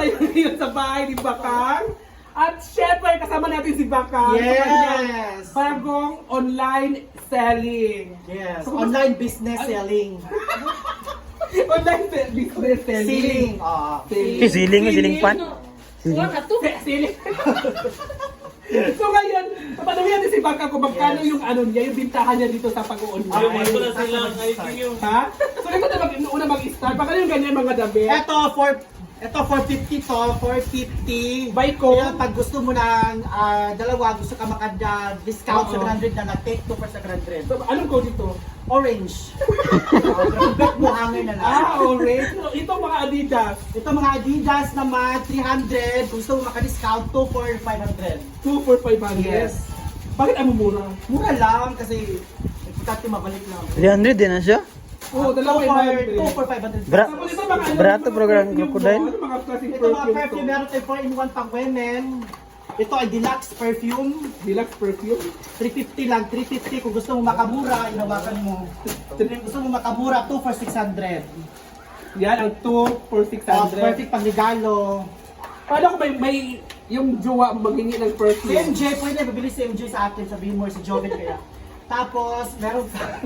tayo ngayon sa bahay ni Bakang. At syempre, kasama natin si Bakang. Yes! Sa kanyang bagong online selling. Yes, So, online business selling. Online business selling. Selling. Siling, siling pan. Selling. So ngayon, papanawin natin si Bakang kung magkano yung ano niya, yung bintahan niya dito sa pag-online. Ito na silang IPU. Ha? So ito na una mag-start. Baka yung ganyan mga dabi. Ito 450 to, 450. Buy ko. Kaya pag gusto mo ng dalawa, gusto ka makada-discount Oo. 700 na take 2 for 700. So, anong code ito? Orange. Bet mo hangin na lang. Orange. So, ito mga Adidas. Ito mga Adidas naman, 300. Kung gusto mo makadiscount, 2 for 500. 2 for 500. Yes. Bakit ang mura? Mura lang kasi importante mabalik lang. 300 din na siya. Oo, dalawa 2 500. for 500. Bra- Tapos ito mga ano, Barato mga program perfume crocodile. to. Ano mga klaseng Ito mga perfume perfume, to? meron tayo 4-in-1 pang women. Ito ay deluxe perfume. Deluxe perfume. 350 lang, 350 kung gusto mo makamura, inawakan mo. Kung gusto mo makamura, 2 for 600. Yan, ang 2 for 600. Perfect pang regalo. Paano kung may yung jowa maghingi ng Si perfume? MJ, pwede bibili si MJ sa atin, sabihin mo si Joven kaya. Tapos, meron pa.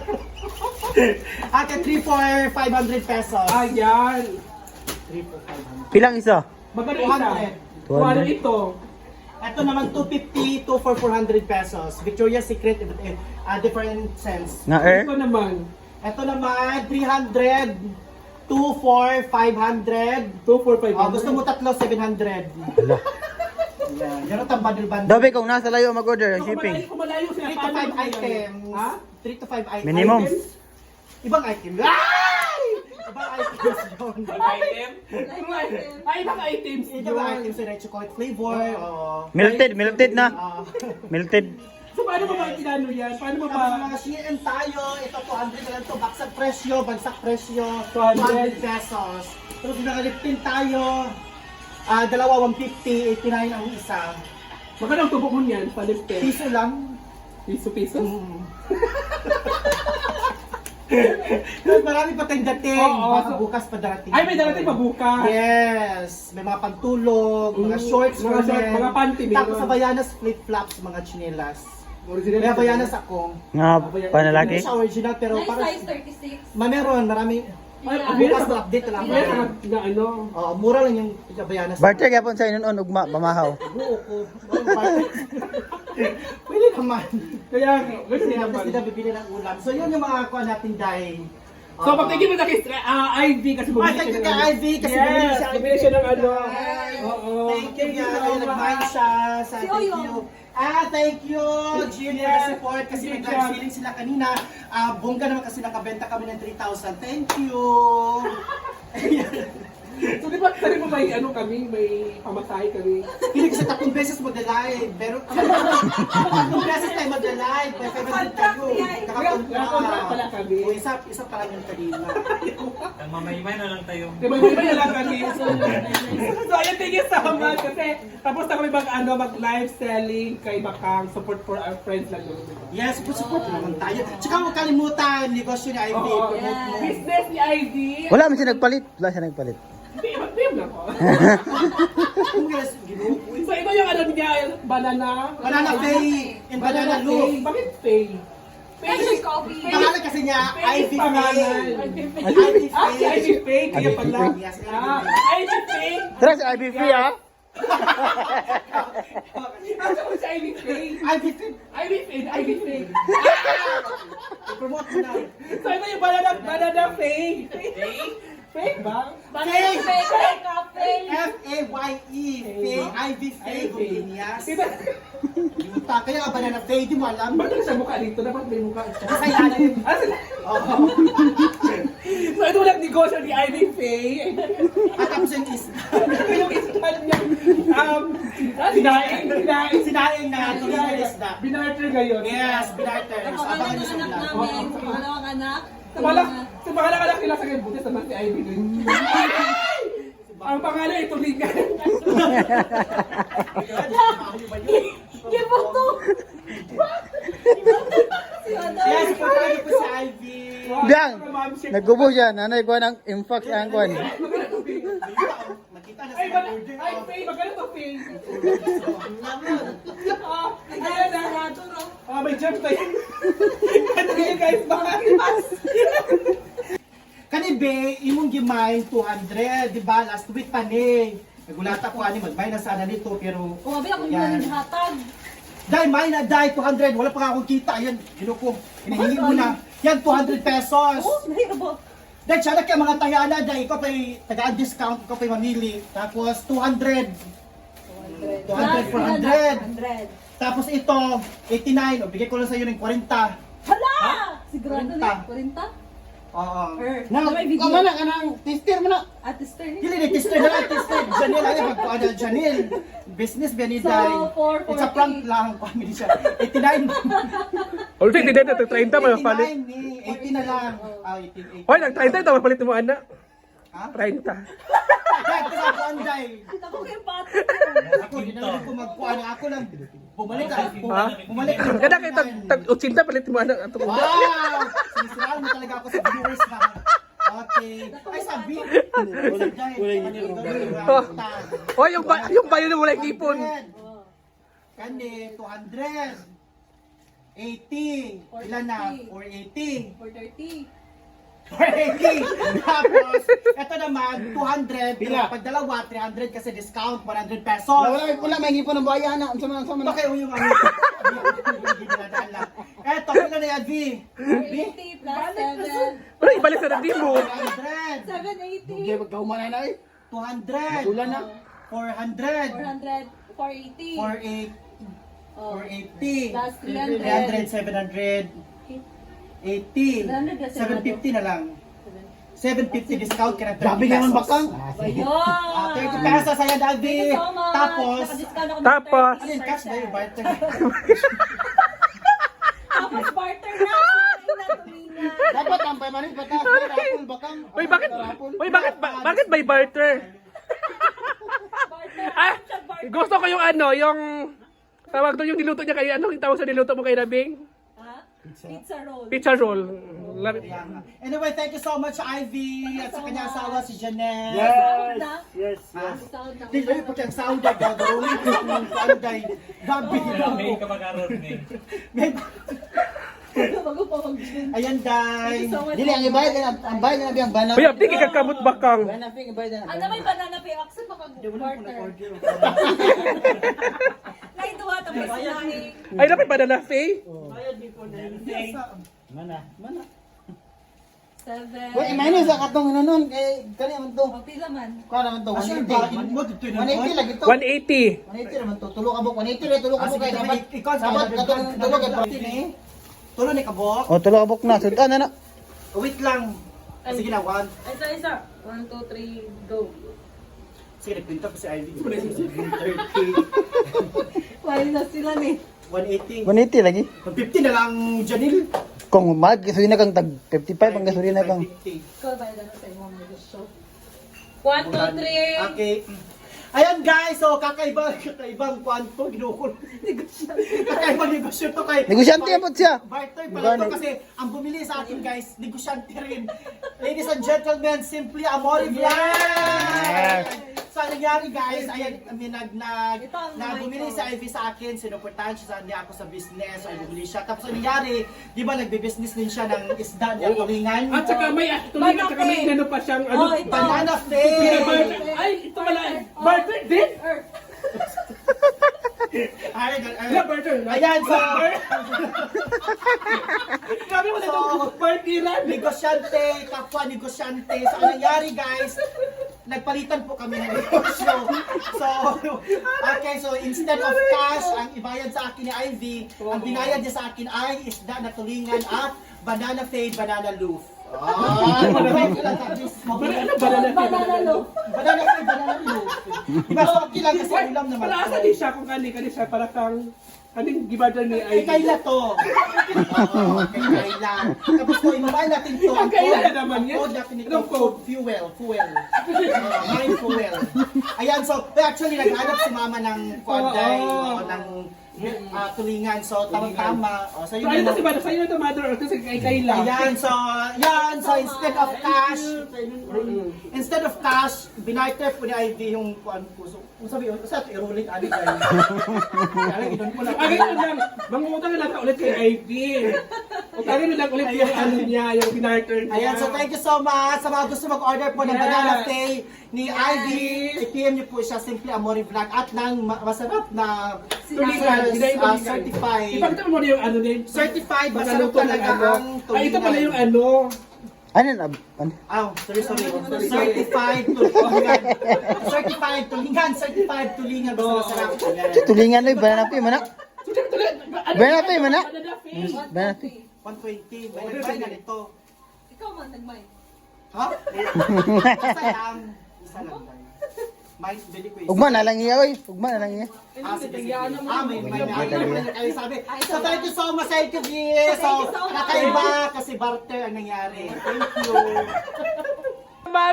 Ate, 3 for 500 pesos. Ayan. 3 for 500. Pilang isa? Magkano isa? 200. 200 ito. Ito naman 250, 2 for 400 pesos. Victoria's Secret, different sense. Nga er? Ito naman. Ito naman, 300, 2 for 500. 2 for 500. Gusto mo tatlo, 700. Ala. Yan, yan ang bundle-bundle. Dabi kung nasa layo mag-order ang shipping. Kung malayo sila, 3 to paano 5 yan? items. Ha? 3 to 5 items. Minimum. Ibang item. Ay! Ibang items yun. Item? Ay, ibang items. Ibang items yun. Chocolate flavor. Melted na. Ah. Melted. So, paano ba kinano yan? Paano ba Tapos mga CN tayo, ito 200 na lang ito, bagsak presyo, 200 200 pesos. Tapos nakalipin tayo, dalawa 150, 89 ang isa. Magkano ang tubo mo niyan? Palipin. Piso lang. Piso-piso? Marami pa tayong dating, Oo, baka so- bukas pa darating. Ay, may darating pa bukas. Yes, may mga pantulog, mga shorts, mga short, men. mga panty, meron. Tapos sa Bayanas, flip-flops, mga chinelas. Original. May Bayanas ako. Nga panalaki. Hindi siya original, pero Nice parang... size 36. Meron, marami. Ay, Bukas na-update lang. Ay, na ano. Mura lang yung Bayanas. Barter yapon sa inon ugma pamahaw. Buo ko. Pwede naman. Kaya, gusto Kasi niya naman naman. sila bibili ng ulam. So yun yung mga kuha natin dahil. So, pagtigil mo na kay Ivy kasi bumili thank you siya kay ng- Ivy kasi Yes, bumili siya. bumili siya ng ano. Yes. Oo. Thank you, Gary. Nag-mind siya. Thank you. Thank you, Junior, Yes. na support kasi may Thank live you. feeling sila kanina. Bongga naman kasi nakabenta kami ng 3,000. Thank you. So, di ba sabi mo may ano kami, may pamasahe kami. Hindi kasi 3 beses mag-live. Pero 3 beses tayo mag-live. May 500 tayo. Nakakontract pala kami. O, isa pa lang yung kanina. Mamaymay na lang tayo. Di ba, may lang kami. So, ayun, thank you so much. Kasi tapos na kami mag-live selling kay Bakang. Support for our friends lang yun. Yes, support naman tayo. Tsaka huwag kalimutan, negosyo ni Ivy. Oo. Promote mo. Business ni Ivy. Wala man siya nagpalit. Wala siya nagpalit. Mag-PM na ko. Yes, ginuho. So, ito yung ano niya, banana. Banana Faye and Banana Loop. Faye. Bakit Faye? Favorite coffee. Pangalan kasi niya, Ivy pangalan. Faye. Ah, si Ivy Faye. Kaya Ivy pala. Yes, Ah, Ivy Faye. Tara sa IB free ha. Ano ko si Ivy Faye? Ivy Faye. Ivy Faye. Ivy Faye. Promote mo na. So, ito yung banana Faye. Faye ba? Faye. Favorite coffee. F-A-Y-E. Faye. Ivy Faye. Guminias. Diba? Kaya nga Banana Faye, di mo alam. Bakit sa mukha dito? Dapat may mukha. Sa ilalim. Ah, sila. Oo. So, ito lang negosyo ni Ivy Faye. At tapos yung isda. Ito yung ispan niya. Sinaing. Sinaing na tuloy na isda. Binarter ngayon. Yes, binarter. Ang So, abangan pangalan niyo ng sa anak vlog. namin, sa pangalawang anak. Sa pangalan anak nila sa kay Butis naman si Ivy din. Ang pangalan ay Tulingan. Gibuto! Yes, pagkakas niyo po si Ivy. Biang. Naggubo siya. Nanay ko ng infax ang kwan. Magkano tubig? Makita na Ay, sa order. ay, Faye, magkano to, Faye? Ay, Ayan na. sarado, no? May jump tayo. Ano yun, guys? Kanibe, imong gimay 200, di ba? Last week pa ni. Nagulata ko ani magbay na sana nito pero Kumabi ako Yan. yung hatag. dai may na dai 200, wala pa nga akong kita. Ayan, ginuko. Hinihingi mo na. Yan 200 pesos. Oh, nahirabo. Dahil siya na kaya mga tayana, dahil ikaw pa'y taga-discount, ikaw pa'y mamili. Tapos 200. 200, 400. 100. Tapos ito, 89. O, bigay ko lang sa'yo ng 40. Hala! Sigurado na. 40? Oo. Na, may video. Kamala ka ng tester mo na. At this turn. Dili ni tester na lang, tester. Janil, ay magkuhan na Janil. Business ba ni So, Day? 440. It's a prank lang. Family siya. 89. Ulit, hindi na, 30 pa 89 ni. 80 na lang. Ah, 18, 80. Hoy, nag-30 ito, mapalit mo, anak. Ha? 30. Dahil ko sa kuhan, Day. Ako kayo pati. Ako, hindi na lang ko magkuhan. Ako lang. Bumalik ka. Ha? Bumalik ka. Kada kayo, tag-80 palit mo, anak. Ato ko. Wow! Sinisiraan mo talaga ako sa viewers na. Okay. Ay, sabi. Hoy, yung bayo na wala ipon. Kani, 200. 80. Ilan na? 480. 430. 480. Tapos, ito naman, 200. Pag dalawa, 300 kasi discount, 100 pesos. Wala, may ngipon ng bayan na. Ang sama na. Bakit yung ano? Eto, kailan na yan, V? V? 480 plus 7. Wala, ibalik sa nandin mo. 100. 780. Magkahuman na eh. 200. Tulan na. 400. 400. 480. 480. Oh. 480. Plus 300, 700. 80. 750 na lang. 750 discount ka na 30 Grabe naman pesos. bakang. Ayun. 30 pesos ayan, Davi. Thank you so much. Tapos, Nakadiscount ako ng Tapos, 30%. ano yung cash na yung barter? Tapos barter na. Ay, natumina. Dapat ang paymanin patas. Rapol bakang. Uy, bakit may barter? Barter. Ah, Siya barter. gusto ko yung ano, yung tawag doon yung niluto niya kay ano, yung tawag sa niluto mo kay Nabing? Ha? Pizza roll. Pizza roll. Love it. Anyway, thank you so much, Ivy. At sa kanyang asawa, si Janelle. Sahod na. Yes. Sahod na. Di ba pag ang sound ay gagawin ko kung ano day. Gabi May kamakaroon eh. Bago pa mag-gym. Ayan, day. So much. Dili ang ibayad na ang bayad na biyang bana. Uy, abdi kikakamot bakang. Bana ping ibayad na. Ano may banana pay accent makag-barter. Naituwa tapos sinaing. Ay, dapat ba na Faye? Mana. 7. Wait, minus sa katong nanon kay kani man to. O, pila man. Kuha naman to. Asya 180. ba? Mo dito na 180 lagi to. 180. 180 naman to. Tulo ka bok. 180 rin. Tulo ka bok kay dapat. ikaw sa Dapat katong tulo kay Tulo ni kabok. O, tulo ka buk na. Sudan na na. Wait lang. Sige na, one. Isa. 1, 2, 3, go. Sige, nagpinta pa si Ivy. 130. Why na sila ni? 180. 180 lagi. 150 na lang, Janil. Kung mag, gasolina kang tag 55 ang gasolina kang. 150. Ikaw ba na sa imong show? 1, 2, 3. Okay. Ayan guys, so kakaibang kwanto, ginukul. Kakaibang negosyo to kay... Negosyante yan po siya. Barter pala to kasi ang bumili sa akin guys, negosyante rin. Ladies and gentlemen, Simply Amore Vlog! So ang nangyari guys, ayan, bumili si Ivy sa akin, sinuportahan siya niya ako sa business, so bumili siya. Tapos ang nangyari, di ba nagbe-business din siya ng isda niya, tulingan? At saka may tuloy at saka may inano pa siyang ano. Oh, ito. Banana Peanut Fay! butter. Ay, ito pala. Barter din? Yeah, barter. Ayan, so... Grabe mo na itong partiran. Negosyante, kapwa negosyante. So, ang nangyari guys, nagpalitan po kami ng negosyo. So, okay, so instead of cash, ang ibayad sa akin ni Ivy, ang binayad niya sa akin ay isda na tulingan at banana fade, banana loaf. Banana Banana loaf. Banana fade, banana loaf. Diba, so okay lang kasi ulam naman. Para asa din siya kung kani siya para kang kaning gibadal ni Kay Ivy. Kayla to. Oo, kay Kayla. Tapos ko, imabay natin to. Ang Kayla naman yan. Code natin ito. Anong code? Fuel. Mine fuel. Ayan, so actually naghanap si mama ng kwanday, ng tulingan. So, tamang-tama. O, so, So, yun ayun yung- na si Mother, sa'yo na ito, Mother, or kasi kay Kayla. Ayan, so instead of cash, binarter po ni Ivy yung kuan po. So, kung sabi, sa i-rolling ali kayo. Kaya gidon po lang. Ah, ganyan lang. Mangungutang na lang ka ulit kay Ivy. Utangin na lang ulit yung ano niya, yung pinarter niya. Ayan, so thank you so much. Sa mga gusto mag-order po ng Yes. banana latte ni Ivy, i-PM niyo po siya Simply Amore Vlog at ng masarap na Tulingan, tulingan. certified. Ipakita mo muna yung ano niya. Certified, masarap Magaluto ng talaga ano. ang tulingan. Ay, ito pala yung ano. Ano na? Ano? Sorry. Certified tulingan. Certified tulingan. Basta masarap. Si tulingan na yung banana pay, mana? Banana pay, mana? Banana face. Banana pay. 120. May na nito. Ikaw man, nagmay. Ha? Isa lang tayo. May bili ko isa. Ugma na lang iya, oy. Ugma na lang iya. May sabi. So thank you so much, thank you, G. So, nakaiba kasi barter ang nangyari. Thank you. Ma'am,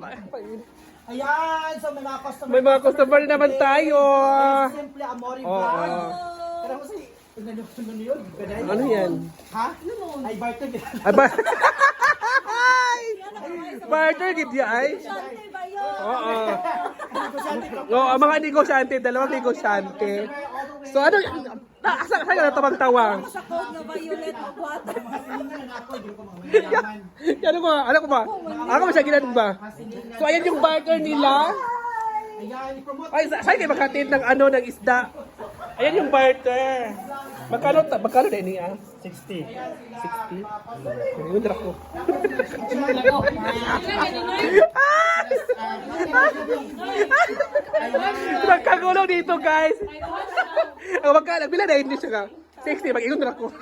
Ayan, so may mga customer. may mga customer naman tayo. Simply Amore Oo. Vlog. Pero kasi, ano yun? Ano yan? Ha? Ay, barter. Aba. Barter gid ya ay. Shante ba yun? Oo. Oo, mga negosyante, dalawang negosyante. So ano, asa ka na tabang-tawang? Sa code na violet of water. Ano ko ba? Ako ba siya ginanong ba? So ayan yung barter nila. Ayan, i-promote. Ay, saan kayo makatid ng ano, ng isda? Ayan yung barter. Magkano na niya? 60. 60? Ayun na ako. Nagkagulo dito, guys. Ang magkano, bila na hindi siya ka. 60, mag-ingon na ako.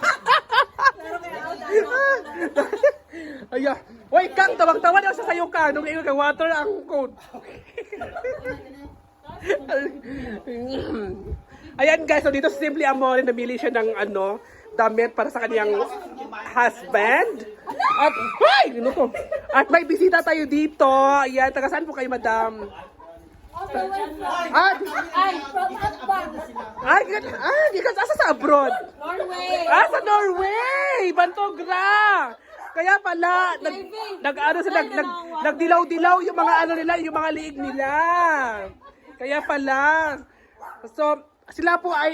Ayan. Uy, Kang, tawag-tawa daw sa sayo ka. Nung ingon ka, water ang code. Ayan guys, so dito Simply Amore, namili siya ng ano, damit para sa kanyang husband. At, ay, ano ko? At may bisita tayo dito. Ayan, taga saan po kayo, madam? At, Ay, from Akbang. asa sa abroad? Norway. Sa Norway! Bantogra! Kaya pala, nag-ano sila, nagdilaw-dilaw yung mga ano nila, yung mga liig nila. Kaya pala. So, sila po ay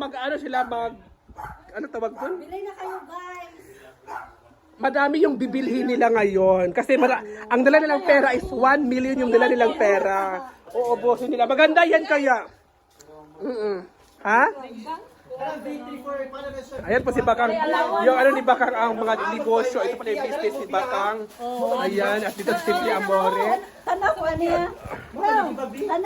ano tawag doon? Bilay na kayo, guys. Madami yung bibilhin nila ngayon. Kasi ang dala nilang pera is 1 million yung dala nilang pera. Oo, boso nila. Maganda yan kaya. Ha? Ayan po si Bakang. Yung ano ni Bakang ang mga negosyo. Ito pala yung business ni Bakang. Ayan. At dito Simply Amore. Tanap ko niya.